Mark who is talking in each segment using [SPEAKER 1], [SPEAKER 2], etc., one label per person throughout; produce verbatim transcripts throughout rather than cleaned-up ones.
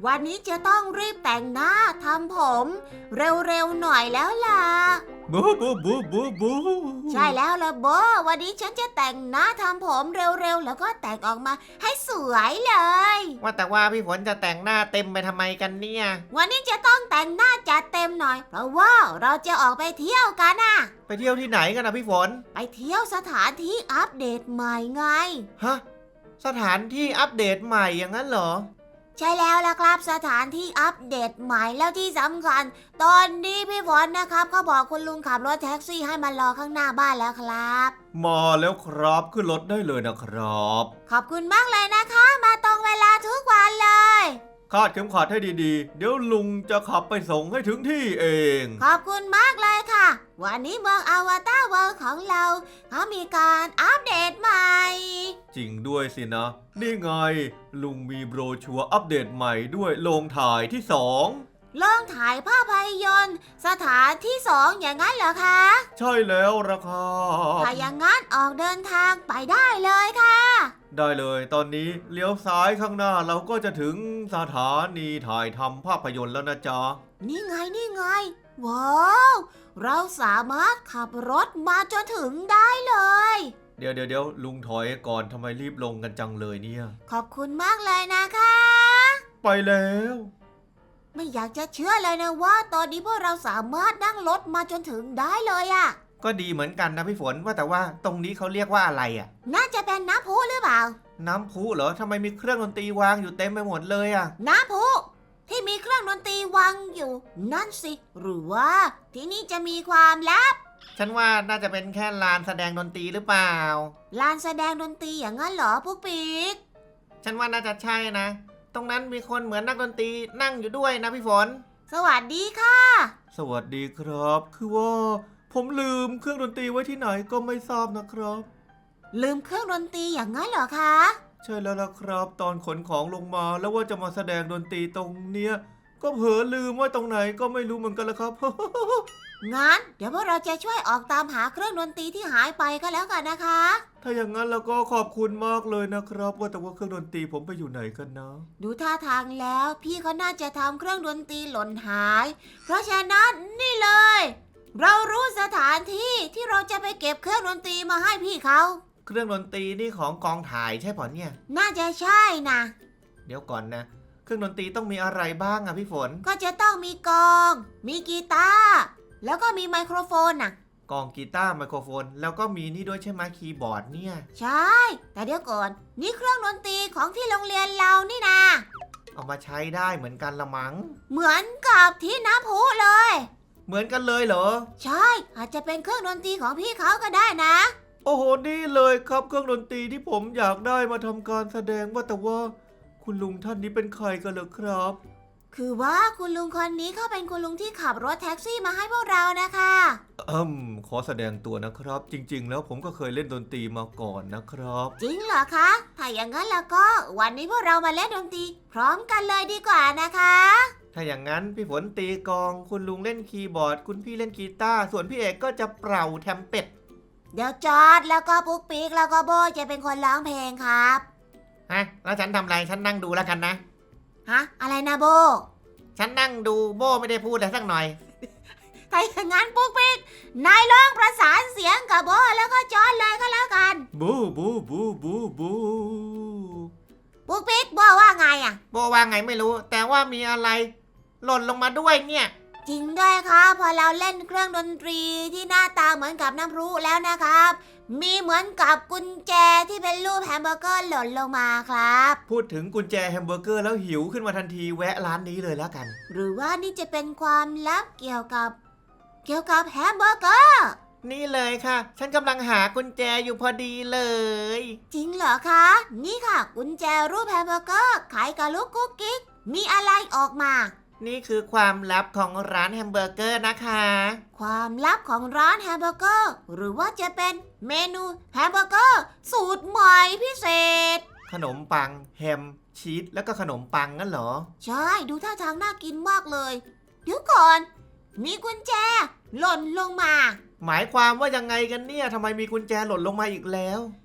[SPEAKER 1] วันนี้จะต้องรีบแต่งหน้าทำผมเร็วๆหน่อยแล้วล่ะ
[SPEAKER 2] บูบูบูบูบู
[SPEAKER 1] ใช่แล้วล่ะโบวันนี้ฉันจะแต่งหน้าทำผมเร็วๆแล้วก็แต่งออกมาให้สวยเลย
[SPEAKER 3] ว่าแต่ว่าพี่ฝนจะแต่งหน้าเต็มไปทำไมกันเนี่ย
[SPEAKER 1] วันนี้จะต้องแต่งหน้าจัดเต็มหน่อยเพราะว่าเราจะออกไปเที่ยวกันน่ะ
[SPEAKER 3] ไปเที่ยวที่ไหนกันนะพี่ฝน
[SPEAKER 1] ไปเที่ยวสถานที่อัปเดตใหม่ไง
[SPEAKER 3] ฮะสถานที่อัปเดตใหม่อย่างนั้นเหรอ
[SPEAKER 1] ใช่แล้วล่ะครับสถานที่อัปเดตใหม่แล้วที่สำคัญตอนนี้พี่ฝนนะครับเขาบอกคุณลุงขับรถแท็กซี่ให้มารอข้างหน้าบ้านแล้วครับ
[SPEAKER 2] มาแล้วครับขึ้นรถได้เลยนะครับ
[SPEAKER 1] ขอบคุณมากเลยนะคะมาตรงเวลาทุกวันเลย
[SPEAKER 2] คาดเข็มขัดให้ดีๆเดี๋ยวลุงจะขับไปส่งให้ถึงที่เอง
[SPEAKER 1] ขอบคุณมากเลยค่ะวันนี้เมืองอวตารเวิลด์ของเราเขามีการอัปเดตใหม่
[SPEAKER 2] จริงด้วยสินะนี่ไงลุงมีโบรชัวร์อัปเดตใหม่ด้วยโรงถ่ายที่สอง
[SPEAKER 1] โรงถ่ายภาพยนตร์สถานที่สองอย่างนั้นเหรอคะ
[SPEAKER 2] ใช่แล้วละครับ
[SPEAKER 1] ถ้าอย่างนั้นออกเดินทางไปได้เลยค่ะ
[SPEAKER 2] ได้เลยตอนนี้เลี้ยวซ้ายข้างหน้าเราก็จะถึงสถานีถ่ายทำภาพยนตร์แล้วนะจ๊ะ
[SPEAKER 1] นี่ไงนี่ไงว้าวเราสามารถขับรถมาจนถึงได้เลย
[SPEAKER 2] เดี๋ยวเดี๋ยวเดี๋ยวลุงถอยก่อนทำไมรีบลงกันจังเลยเนี่ย
[SPEAKER 1] ขอบคุณมากเลยนะคะ
[SPEAKER 2] ไปแล้ว
[SPEAKER 1] ไม่อยากจะเชื่อเลยนะว่าตอนนี้พวกเราสามารถนั่งรถมาจนถึงได้เลยอะ
[SPEAKER 3] ก็ดีเหมือนกันนะพี่ฝนว่าแต่ว่าตรงนี้เขาเรียกว่าอะไรอ่ะ
[SPEAKER 1] น่าจะเป็นน้ำพุหรือเปล่า
[SPEAKER 3] น้ำพุเหรอทำไมมีเครื่องดนตรีวางอยู่เต็มไปหมดเลยอ่ะ
[SPEAKER 1] น้ำพุที่มีเครื่องดนตรีวางอยู่นั่นสิหรือว่าที่นี่จะมีความลับ
[SPEAKER 3] ฉันว่าน่าจะเป็นแค่ลานแสดงดนตรีหรือเปล่า
[SPEAKER 1] ลานแสดงดนตรีอย่างนั้นเหรอพวกปีก
[SPEAKER 3] ฉันว่าน่าจะใช่นะตรงนั้นมีคนเหมือนนักดนตรีนั่งอยู่ด้วยนะพี่ฝน
[SPEAKER 1] สวัสดีค่ะ
[SPEAKER 2] สวัสดีครับคือว่าผมลืมเครื่องดนตรีไว้ที่ไหนก็ไม่ทราบนะครับ
[SPEAKER 1] ลืมเครื่องดนตรีอย่างนั้นเหรอคะ
[SPEAKER 2] ใช่แล้วล่ะครับตอนขนของลงมาแล้วว่าจะมาแสดงดนตรีตรงเนี้ยก็เผลอลืมว่าตรงไหนก็ไม่รู้เหมือนกันละครับ
[SPEAKER 1] งั้นเดี๋ยวพวกเราจะช่วยออกตามหาเครื่องดนตรีที่หายไปก็แล้วกันนะคะ
[SPEAKER 2] ถ้าอย่างนั้นแล้วก็ขอบคุณมากเลยนะครับว่าแต่ว่าเครื่องดนตรีผมไปอยู่ไหนกันนะ
[SPEAKER 1] ดูท่าทางแล้วพี่เขาน่าจะทำเครื่องดนตรีหล่นหายเพราะฉะนั้นนี่เลยเรารู้สถานที่ที่เราจะไปเก็บเครื่องดนตรีมาให้พี่เขา
[SPEAKER 3] เครื่องดนตรีนี่ของกองถ่ายใช่ป่ะเนี่ย
[SPEAKER 1] น่าจะใช่นะ
[SPEAKER 3] เดี๋ยวก่อนนะเครื่องดนตรีต้องมีอะไรบ้างอะพี่ฝน
[SPEAKER 1] ก็จะต้องมีกลองมีกีตาร์แล้วก็มีไมโครโฟนน่ะ
[SPEAKER 3] กลองกีตาร์ไมโครโฟนแล้วก็มีนี่ด้วยใช่ไหมคีย์บอร์ดเนี่ย
[SPEAKER 1] ใช่แต่เดี๋ยวก่อนนี่เครื่องดนตรีของที่โรงเรียนเรานี่นะ
[SPEAKER 3] เอามาใช้ได้เหมือนกันละมั้ง
[SPEAKER 1] เหมือนกับที่น้ำพุเลย
[SPEAKER 3] เหมือนกันเลยเหรอ
[SPEAKER 1] ใช่อาจจะเป็นเครื่องดนตรีของพี่เขาก็ได้นะ
[SPEAKER 2] โอ้โหนี่เลยครับเครื่องดนตรีที่ผมอยากได้มาทำการแสดงว่าแต่ว่าคุณลุงท่านนี้เป็นใครกันเหรอครับ
[SPEAKER 1] คือว่าคุณลุงคนนี้เขาเป็นคุณลุงที่ขับรถแท็กซี่มาให้พวกเรานะคะ
[SPEAKER 2] อืมขอแสดงตัวนะครับจริงๆแล้วผมก็เคยเล่นดนตรีมาก่อนนะครับ
[SPEAKER 1] จริงเหรอคะถ้าอย่างนั้นแล้วก็วันนี้พวกเรามาเล่นดนตรีพร้อมกันเลยดีกว่านะคะ
[SPEAKER 3] ถ้าอย่างนั้นพี่ฝนตีกลองคุณลุงเล่นคีย์บอร์ดคุณพี่เล่นกีตาร์ส่วนพี่เอกก็จะเป่าแทมเป็ด
[SPEAKER 1] เดี๋ยวจอดแล้วก็ปุ๊กปิ๊กแล้วก็โบจะเป็นคนร้องเพลงครับ
[SPEAKER 3] ฮะแล้วฉันทำอะไรฉันนั่งดูแล้วกันนะ
[SPEAKER 1] ฮะอะไรนะโบ
[SPEAKER 3] ฉันนั่งดูโบไม่ได้พูดอะไรสักหน่อย
[SPEAKER 1] ถ้าอย่างนั้นปุ๊กปิ๊กนายร้องประสานเสียงกับโบแล้วก็จอดเลยก็แล้วกัน
[SPEAKER 2] บูบูบูบูบู
[SPEAKER 1] ปุ๊กปิ๊กโบว่าไงอ่ะ
[SPEAKER 3] โบว่าไงไม่รู้แต่ว่ามีอะไรหล่นลงมาด้วยเนี่ย
[SPEAKER 1] จริงด้วยครับพอเราเล่นเครื่องดนตรีที่หน้าตาเหมือนกับน้ำพลุแล้วนะครับมีเหมือนกับกุญแจที่เป็นรูปแฮมเบอร์เกอร์หล่นลงมาครับ
[SPEAKER 2] พูดถึงกุญแจแฮมเบอร์เกอร์แล้วหิวขึ้นมาทันทีแวะร้านนี้เลยแล้วกัน
[SPEAKER 1] หรือว่านี่จะเป็นความลับเกี่ยวกับเกี่ยวกับแฮมเบอร์เกอร์
[SPEAKER 3] นี่เลยค่ะฉันกำลังหากุญแจอยู่พอดีเลย
[SPEAKER 1] จริงเหรอคะนี่ค่ะกุญแจรูปแฮมเบอร์เกอร์ขายกับลูกกุ๊กกิ๊กมีอะไรออกมา
[SPEAKER 3] นี่คือความลับของร้านแฮมเบอร์เกอร์นะคะ
[SPEAKER 1] ความลับของร้านแฮมเบอร์เกอร์หรือว่าจะเป็นเมนูแฮมเบอร์เกอร์สูตรใหม่พิเศษ
[SPEAKER 3] ขนมปังแฮมชีสแล้วก็ขนมปังงั้นเหรอ
[SPEAKER 1] ใช่ดูท่าทางน่ากินมากเลยเดี๋ยวก่อนมีกุญแจหล่นลงมา
[SPEAKER 3] หมายความว่ายังไงกันเนี่ยทำไมมีกุญแจหล่นลงมาอีกแล้ว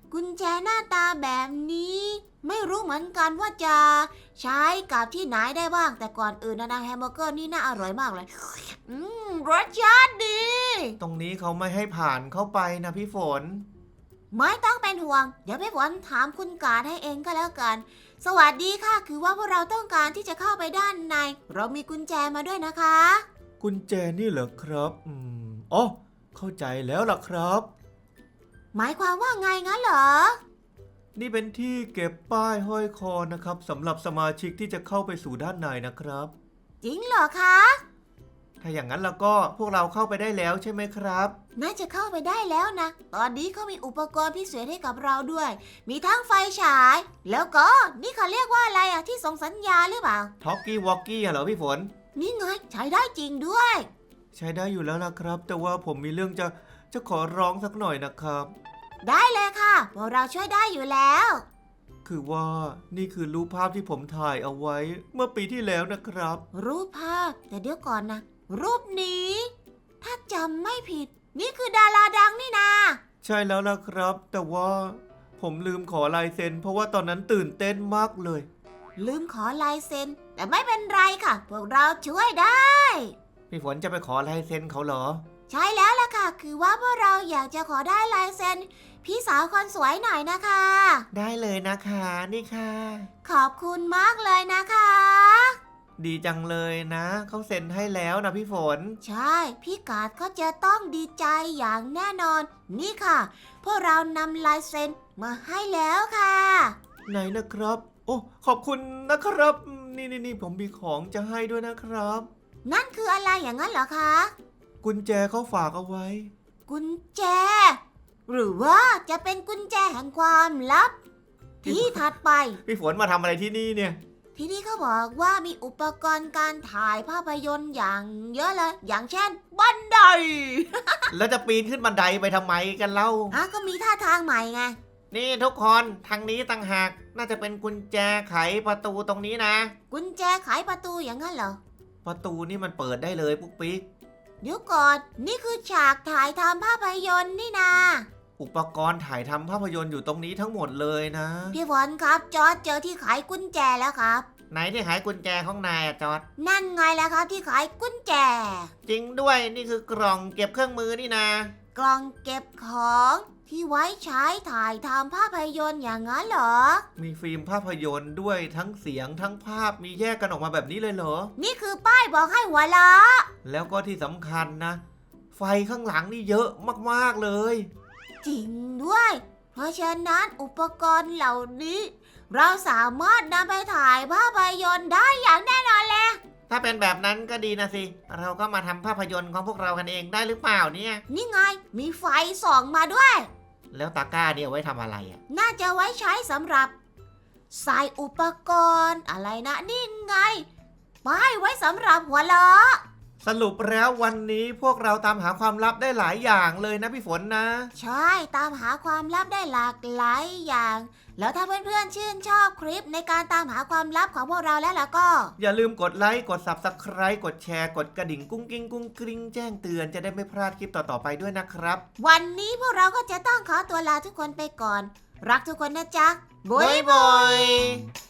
[SPEAKER 1] กุญแจหน้าตาแบบนี้ ไม่รู้เหมือนกันว่าจะใช้กับที่ไหนได้บ้าง แต่ก่อนอื่นนะนะแฮมเบอร์เกอร์นี่น่าอร่อยมากเลย อืมรสชาติดี
[SPEAKER 3] ตรงนี้เขาไม่ให้ผ่านเข้าไปนะพี่ฝน
[SPEAKER 1] ไม่ต้องเป็นห่วง เดี๋ยวพี่ฝนถามคุณการ์ดให้เองก็แล้วกัน สวัสดีค่ะ คือว่าพวกเราต้องการที่จะเข้าไปด้านใน เรามีกุญแจมาด้วยนะคะ
[SPEAKER 2] กุญแจนี่เหรอครับอืมอ๋อเข้าใจแล้วล่ะครับ
[SPEAKER 1] หมายความว่าไงงั้นเหรอ
[SPEAKER 2] นี่เป็นที่เก็บป้ายห้อยคอนะครับสำหรับสมาชิกที่จะเข้าไปสู่ด้านในนะครับ
[SPEAKER 1] จริงเหรอคะ
[SPEAKER 3] ถ้าอย่างนั้นแล้วก็พวกเราเข้าไปได้แล้วใช่ไหมครับ
[SPEAKER 1] น่าจะเข้าไปได้แล้วนะ ตอนนี้เขามีอุปกรณ์พิเศษให้กับเราด้วย มีทั้งไฟฉาย แล้วก็นี่เขาเรียกว่าอะไรอะที่ส่งสัญญาณหรือเปล่า
[SPEAKER 3] ท็อกกี้วอกกี้เหรอพี่ฝน
[SPEAKER 1] นี่ไงใช้ได้จริงด้วย
[SPEAKER 2] ใช้ได้อยู่แล้วล่ะครับ แต่ว่าผมมีเรื่องจะจะขอร้องสักหน่อยนะครับ
[SPEAKER 1] ได้เลยค่ะพวกเราช่วยได้อยู่แล้ว
[SPEAKER 2] คือว่านี่คือรูปภาพที่ผมถ่ายเอาไว้เมื่อปีที่แล้วนะครับ
[SPEAKER 1] รูปภาพแต่เดี๋ยวก่อนนะ รูปนี้ ถ้าจำไม่ผิด นี่คือดาราดังนี่นา
[SPEAKER 2] ใช่แล้วล่ะครับ แต่ว่าผมลืมขอลายเซ็นเพราะว่าตอนนั้นตื่นเต้นมากเลย
[SPEAKER 1] ลืมขอลายเซ็น แต่ไม่เป็นไรค่ะ พวกเราช่วยได้
[SPEAKER 3] พี่ฝนจะไปขอลายเซ็นเขาเหรอ
[SPEAKER 1] ใช่แล้วล่ะค่ะ คือว่าพวกเราอยากจะขอได้ลายเซ็นพี่สาวคนสวยหน่อยนะคะ
[SPEAKER 3] ได้เลยนะคะนี่ค่ะ
[SPEAKER 1] ขอบคุณมากเลยนะคะ
[SPEAKER 3] ดีจังเลยนะเขาเซ็นให้แล้วนะพี่ฝน
[SPEAKER 1] ใช่ พี่กาดก็จะต้องดีใจอย่างแน่นอน นี่ค่ะ พวกเรานำลายเซ็นมาให้แล้วค่ะ
[SPEAKER 2] ไหนนะครับ โอ้ขอบคุณนะครับอืมนี่นี่นี่ผมมีของจะให้ด้วยนะครับ
[SPEAKER 1] นั่นคืออะไรอย่างนั้นเหรอคะ
[SPEAKER 2] กุญแจเขาฝากเอาไว้
[SPEAKER 1] กุญแจ หรือว่าจะเป็นกุญแจแห่งความลับ ที่ถัดไป
[SPEAKER 3] พี่ฝนมาทำอะไรที่นี่เนี่ย
[SPEAKER 1] ที่นี่เขาบอกว่ามีอุปกรณ์การถ่ายภาพยนตร์อย่างเยอะเลย อย่างเช่นบันได
[SPEAKER 3] แล้วจะปีนขึ้นบันไดไปทำไมกันเล่า
[SPEAKER 1] อ่ะก็มีท่าทางใหม่ไง
[SPEAKER 3] นี่ทุกคนทางนี้ต่างหากน่าจะเป็นกุญแจไขประตูตรงนี้นะ
[SPEAKER 1] กุญแจไขประตูอย่างนั้นเหรอ
[SPEAKER 3] ประตูนี่มันเปิดได้เลยปุ๊กปิ๊ก
[SPEAKER 1] เดี๋ยวก่อน นี่คือฉากถ่ายทำภาพยนตร์นี่นา
[SPEAKER 3] อุปกรณ์ถ่ายทำภาพยนตร์อยู่ตรงนี้ทั้งหมดเลยนะ
[SPEAKER 1] พี่ฝนครับจอร์จเจอที่ไขกุญแจแล้วครับ
[SPEAKER 3] ไหนที่หายกุญแจของนายอะจอด
[SPEAKER 1] นั่นไงแหละครับที่ไขกุญแจ
[SPEAKER 3] จริงด้วยนี่คือกล่องเก็บเครื่องมือนี่นะ
[SPEAKER 1] กล่องเก็บของที่ไว้ใช้ถ่ายทำภาพยนตร์อย่างนั้นเหรอ
[SPEAKER 3] มีฟิล์มภาพยนตร์ด้วยทั้งเสียงทั้งภาพมีแยกกันออกมาแบบนี้เลยเหรอ
[SPEAKER 1] นี่คือป้ายบอกให้หัวเราะ
[SPEAKER 3] แล้วก็ที่สำคัญนะ ไฟข้างหลังนี่เยอะมากๆเลย
[SPEAKER 1] จริงด้วย เพราะฉะนั้นอุปกรณ์เหล่านี้ เราสามารถนำไปถ่ายภาพยนตร์ได้อย่างแน่นอนเลย
[SPEAKER 3] ถ้าเป็นแบบนั้นก็ดีนะสิ เราก็มาทำภาพยนตร์ของพวกเรากันเองได้หรือเปล่าเนี่ย
[SPEAKER 1] นี่ไงมีไฟส่องมาด้วย
[SPEAKER 3] แล้วตาก้าเนี่ยเอาไว้ทำอะไรอ่ะ
[SPEAKER 1] น่าจะไว้ใช้สำหรับใส่อุปกรณ์อะไรนะนี่ไงป้ายไว้สำหรับหัวเราะ
[SPEAKER 3] สรุปแล้ววันนี้พวกเราตามหาความลับได้หลายอย่างเลยนะพี่ฝนนะ
[SPEAKER 1] ใช่ตามหาความลับได้หลากหลายอย่าง แล้วถ้าเพื่อนๆชื่นชอบคลิปในการตามหาความลับของพวกเราแล้วล่ะก็
[SPEAKER 3] อย่าลืมกดไลค์กด ซับสไครบ์ กดแชร์กดกระดิ่งกุ้งกิ้งกุ้งกริ้งแจ้งเตือนจะได้ไม่พลาดคลิปต่อๆไปด้วยนะครับ
[SPEAKER 1] วันนี้พวกเราก็จะต้องขอตัวลาทุกคนไปก่อน รักทุกคนนะจ๊ะ
[SPEAKER 3] บ๊ายบาย